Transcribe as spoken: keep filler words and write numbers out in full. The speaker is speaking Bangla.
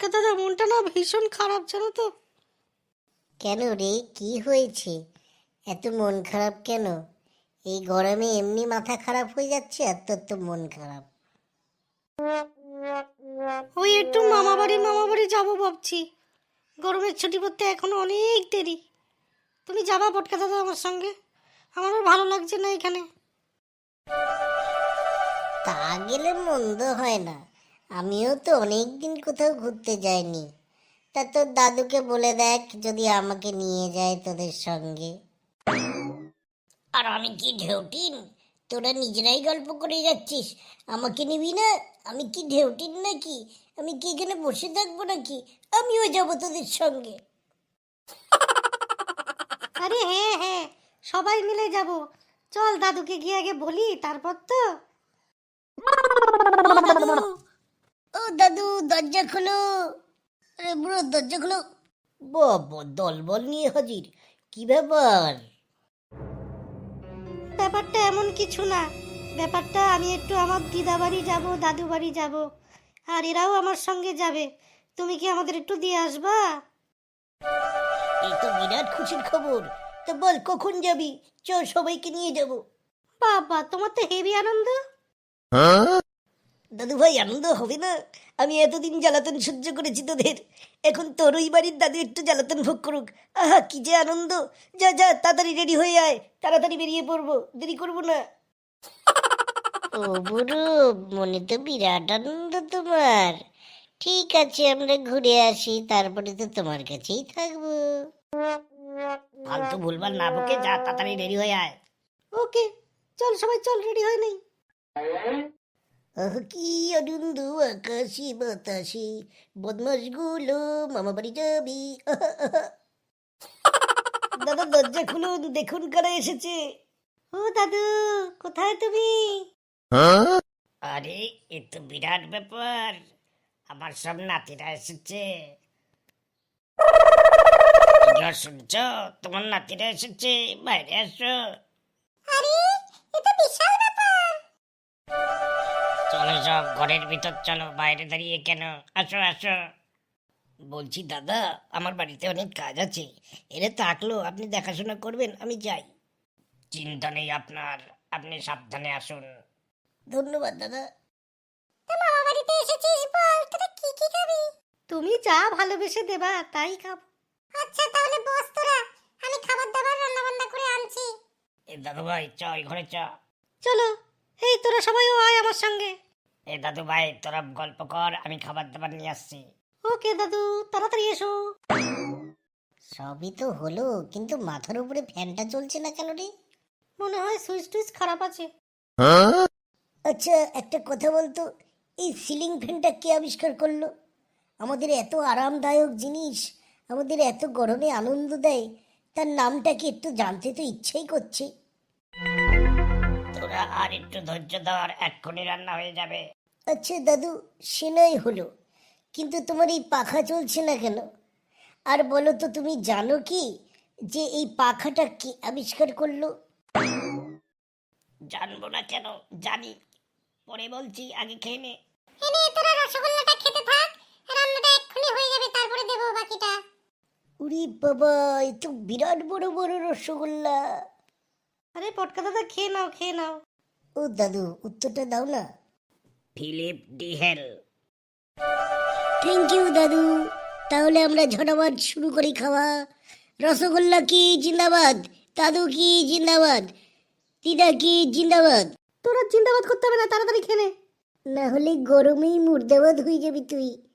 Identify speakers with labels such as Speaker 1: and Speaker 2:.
Speaker 1: পটকা দাদা, মনটা না ভীষণ খারাপ, জানো তো।
Speaker 2: কেন রে, কি হয়েছে? এত মন খারাপ কেন? এই গরমে এমনি মাথা খারাপ হয়ে যাচ্ছে আর তোর তো মন খারাপ।
Speaker 1: ওই একটু মামা বাড়ি মামা বাড়ি যাবো ভাবছি। গরমের ছুটি পড়তে এখনো অনেক দেরি। তুমি যাবা পটকা দাদা আমার সঙ্গে? আমার আর ভালো লাগছে না এখানে।
Speaker 2: তা গেলে মন্দ হয় না, আমিও তো অনেক দিন কোথাও ঘুরতে যাইনি। তা তোর দাদুকে বলে দেখ যদি আমাকে নিয়ে যায় তোদের সঙ্গে। আর আমি কি ঢেউটিন? তোরা নিজেরাই গল্প করে যাচ্ছিস, আমাকে নিবি না? আমি কি ঢেউটিন নাকি? আমি কি এখানে বসে থাকবো নাকি? আমিও যাবো তোদের সঙ্গে।
Speaker 1: আরে হ্যাঁ হ্যাঁ, সবাই মিলে যাব। চল, দাদুকে গিয়ে আগে বলি, তারপর তো।
Speaker 2: ও দাদু, ও দাদু, দরজা খোলো। আরে বুড়ো, দরজা খোলো। বাবা, দলবল নিয়ে হাজির, কি ব্যাপার?
Speaker 1: ব্যাপারটা এমন কিছু না। ব্যাপারটা আমি একটু আমার দিদা বাড়ি যাব, দাদু বাড়ি যাব, আর এরাও আমার সঙ্গে যাবে। তুমি কি আমাদের একটু দিয়ে আসবা?
Speaker 2: এই তো বিরাট খুশির খবর। তো বল কখন যাবি? চল, সবাইকে নিয়ে যাব।
Speaker 1: বাবা, তোমার তো হেভি আনন্দ।
Speaker 2: দাদু ভাই, আনন্দ হবে না? আমি এতদিন জ্বালাতন সহ্য করেছি তোদের, এখন তোর ওই বাড়ির দাদু একটু জ্বালাতন ভোগ করুক। আহা, কি যে আনন্দ! যা যা, তাড়াতাড়ি রেডি হয়ে আয়, তাড়াতাড়ি বেরিয়ে পড়বো, দেরি করবো না। ও বুড়ো, মনে তো বিরাট আনন্দ তোমার। ঠিক আছে, আমরা ঘুরে আসি, তারপরে তো তোমার কাছেই থাকবো। ফালতু ভুলভাল না বকে যা, তাড়াতাড়ি রেডি হয়ে আয়।
Speaker 1: ওকে, চল সবাই, চল, রেডি হয়ে নেই।
Speaker 2: আহ, কি আনন্দ! আকাশে বাতাসে বদমাস গুলো মামা বাড়ি যাবি। আহা, আহা। দাদা, দরজা খুলুন, দেখুন কারা এসেছে।
Speaker 1: ও দাদু, কোথায় তুমি?
Speaker 2: আরে, এ তো বিরাট ব্যাপার, আমার সব নাতিরা এসেছে। শুনছ, তোমার নাতিরা এসেছে, বাইরে আসো।
Speaker 1: আরে, এটা বিশাল ব্যাপার।
Speaker 2: চলো সব ঘরের ভিতর চলো, বাইরে দাঁড়িয়ে কেন? আসো আসো। বলছি দাদা, আমার বাড়িতে অনেক কাজ আছে, এরা থাকলো, আপনি দেখাশোনা করবেন, আমি যাই। চিন্তা নেই আপনার, আপনি সাবধানে আসুন। ধন্যবাদ দাদা।
Speaker 1: মামা বাড়িতে এসেছিস, বল তোরা কি কি খাবি? তুমি যা ভালোবেসে দেবা তাই খাবো। আচ্ছা তাহলে বস তোরা, আমি খাবার দাবার রান্না বান্না করে আনছি।
Speaker 2: এ দাদু ভাই, চ ওই ঘরে চ।
Speaker 1: চলো, এই তোরা সবাইও আয় আমার সঙ্গে।
Speaker 2: এ দাদু ভাই, তোরা গল্প কর, আমি খাবার দাবার নিয়ে আসছি।
Speaker 1: ওকে দাদু, তাড়াতাড়ি এসো।
Speaker 2: সবই তো হলো, কিন্তু মাথার উপরে ফ্যানটা চলছে না কেন রে?
Speaker 1: মনে হয় সুইচ টুইচ খারাপ আছে।
Speaker 2: আচ্ছা, একটা কথা বলতো, এই সিলিং ফ্যানটা কে আবিষ্কার করলো? আমাদের এত আরামদায়ক জিনিস, আমাদের এত গরমে আনন্দ দেয়, তার নামটা কি একটু জানতে তো ইচ্ছেই করছে। তোরা আর একটু ধৈর্য ধর, এক্ষুনি রান্না হয়ে যাবে। আচ্ছা দাদু, সে নয় হলো, কিন্তু তোমার এই পাখা চলছে না কেন? আর বলো তো, তুমি জানো কি যে এই পাখাটা কে আবিষ্কার করলো? জানবো না কেন, জানি, পরে বলছি, আগে খেয়ে নে।
Speaker 1: এনে তোরা রসগোল্লাটা খেতে থাক, রান্নাটা এক্ষুনি হয়ে যাবে, তারপরে দেবো বাকিটা।
Speaker 2: উরি বাবা, এ তো বিরাট বড় বড় রসগোল্লা।
Speaker 1: আরে পটকা দাদা, খেয়ে নাও খেয়ে নাও।
Speaker 2: ও দাদু, উত্তরটা দাও না। ফিলিপ ডিহেল। থ্যাংক ইউ দাদু। তাহলে আমরা ঝটাপট শুরু করি খাওয়া। রসগোল্লা কি জিন্দাবাদ, দাদু কি জিন্দাবাদ, দিদা কি জিন্দাবাদ।
Speaker 1: তোরা জিন্দাবাদ করতে হবে না, তাড়াতাড়ি খেয়ে নে।
Speaker 2: না হলে গরমেই মুর্দাবাদ হয়ে যাবি তুই।